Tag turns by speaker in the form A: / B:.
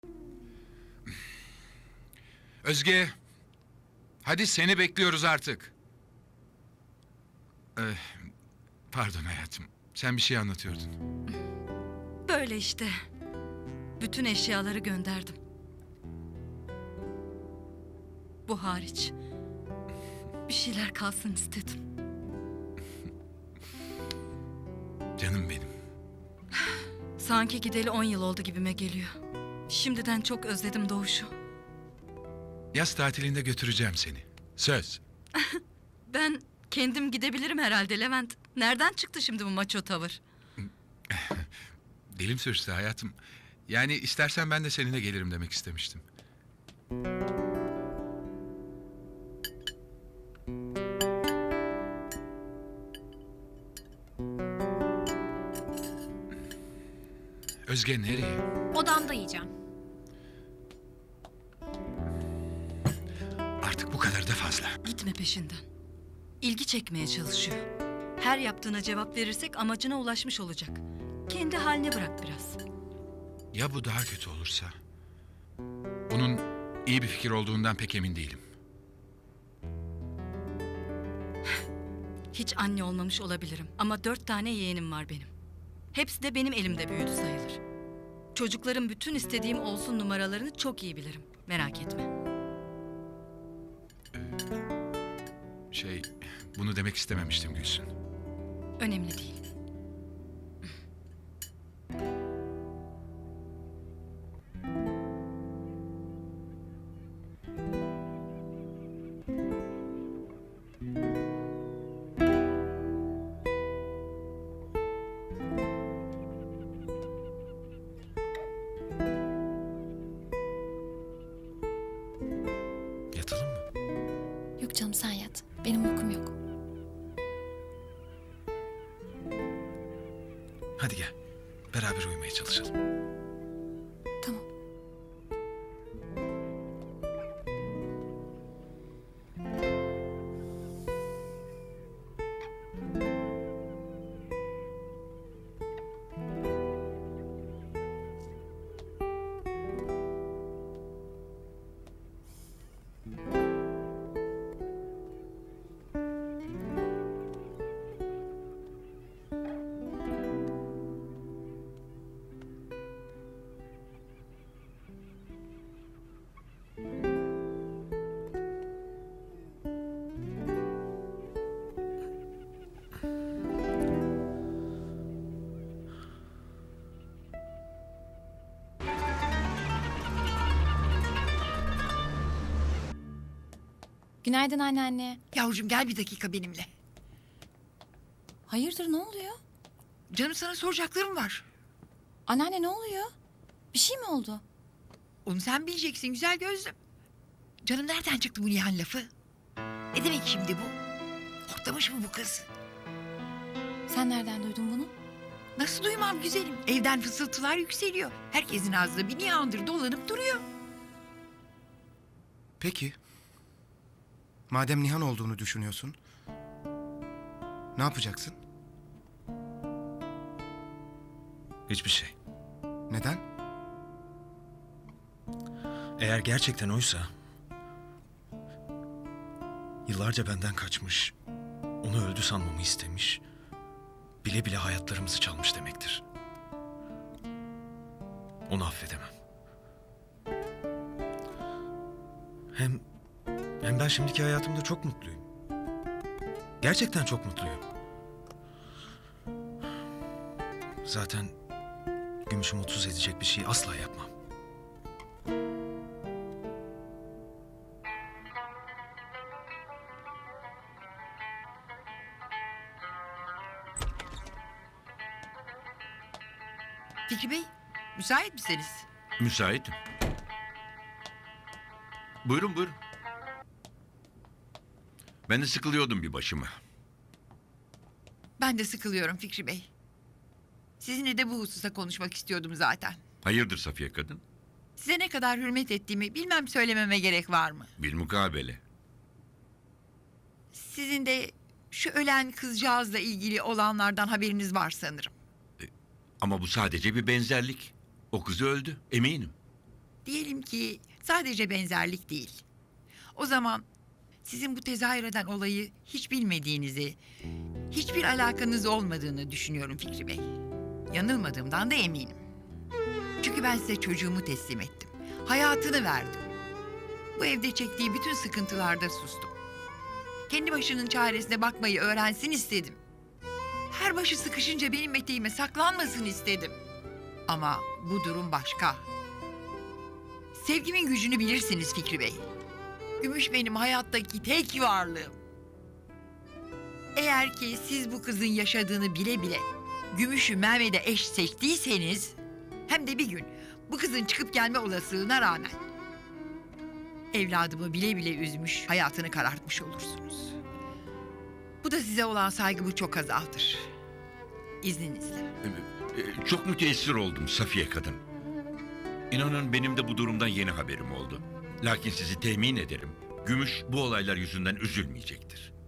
A: Özge, hadi seni bekliyoruz artık. Ee, Pardon hayatım, sen bir şey anlatıyordun.
B: Böyle işte. Bütün eşyaları gönderdim. Bu hariç. Bir şeyler kalsın istedim.
A: Canım benim.
B: Sanki gideli 10 yıl oldu gibime geliyor. Şimdiden çok özledim Doğuş'u.
A: Yaz tatilinde götüreceğim seni. Söz.
B: Ben kendim gidebilirim herhalde Levent. Nereden çıktı şimdi bu maço tavır?
A: Dilim sürçtü hayatım. Yani istersen ben de seninle gelirim demek istemiştim. Özge nereye?
C: Odamda yiyeceğim.
A: Artık bu kadar da fazla.
B: Gitme peşinden. İlgi çekmeye çalışıyor. Her yaptığına cevap verirsek amacına ulaşmış olacak. Kendi haline bırak biraz.
A: Ya bu daha kötü olursa? Bunun iyi bir fikir olduğundan pek emin değilim.
B: Hiç anne olmamış olabilirim ama 4 tane yeğenim var benim. Hepsi de benim elimde büyüdü sayılır. Çocukların bütün istediğim olsun numaralarını çok iyi bilirim. Merak etme.
A: Bunu demek istememiştim Gülsün.
B: Önemli değil.
A: Yatalım mı?
C: Yok canım sen yat. Benim uykum yok.
A: Hadi gel. Beraber uyumaya çalışalım.
C: Tamam. Günaydın anneanne.
D: Yavrucuğum gel bir dakika benimle.
C: Hayırdır ne oluyor?
D: Canım sana soracaklarım var.
C: Anneanne ne oluyor? Bir şey mi oldu?
D: Onu sen bileceksin güzel gözlüm. Canım nereden çıktı bu Nihan lafı? Ne demek şimdi bu? Hortlamış mı bu kız?
C: Sen nereden duydun bunu?
D: Nasıl duymam güzelim? Evden fısıltılar yükseliyor. Herkesin ağzında bir Nihan'dır dolanıp duruyor.
E: Peki. Madem Nihan olduğunu düşünüyorsun, ne yapacaksın?
F: Hiçbir şey.
E: Neden?
F: Eğer gerçekten oysa... yıllarca benden kaçmış, onu öldü sanmamı istemiş... bile bile hayatlarımızı çalmış demektir. Onu affedemem. Hem ben şimdiki hayatımda çok mutluyum. Gerçekten çok mutluyum. Zaten Gümüş'ü mutsuz edecek bir şey asla yapmam.
D: Fikri Bey, müsait misiniz?
G: Müsaitim. Buyurun buyurun. Ben de sıkılıyordum bir başıma.
D: Ben de sıkılıyorum Fikri Bey. Sizinle de bu hususa konuşmak istiyordum zaten.
G: Hayırdır Safiye kadın?
D: Size ne kadar hürmet ettiğimi bilmem söylememe gerek var mı?
G: Bilmukabele.
D: Sizin de şu ölen kızcağızla ilgili olanlardan haberiniz var sanırım.
G: Ama bu sadece bir benzerlik. O kız öldü, eminim.
D: Diyelim ki sadece benzerlik değil. O zaman sizin bu tezahür eden olayı hiç bilmediğinizi, hiçbir alakanız olmadığını düşünüyorum Fikri Bey. Yanılmadığımdan da eminim. Çünkü ben size çocuğumu teslim ettim. Hayatını verdim. Bu evde çektiği bütün sıkıntılarda sustum. Kendi başının çaresine bakmayı öğrensin istedim. Her başı sıkışınca benim eteğime saklanmasın istedim. Ama bu durum başka. Sevgimin gücünü bilirsiniz Fikri Bey. Gümüş benim hayattaki tek varlığım. Eğer ki siz bu kızın yaşadığını bile bile Gümüş'ü Mehmet'e eş seçtiyseniz, hem de bir gün bu kızın çıkıp gelme olasılığına rağmen evladımı bile bile üzmüş, hayatını karartmış olursunuz. Bu da size olan saygımı çok azaltır. İzninizle.
G: Çok müteessir oldum Safiye kadın. İnanın benim de bu durumdan yeni haberim oldu. Lakin sizi temin ederim. Gümüş bu olaylar yüzünden üzülmeyecektir.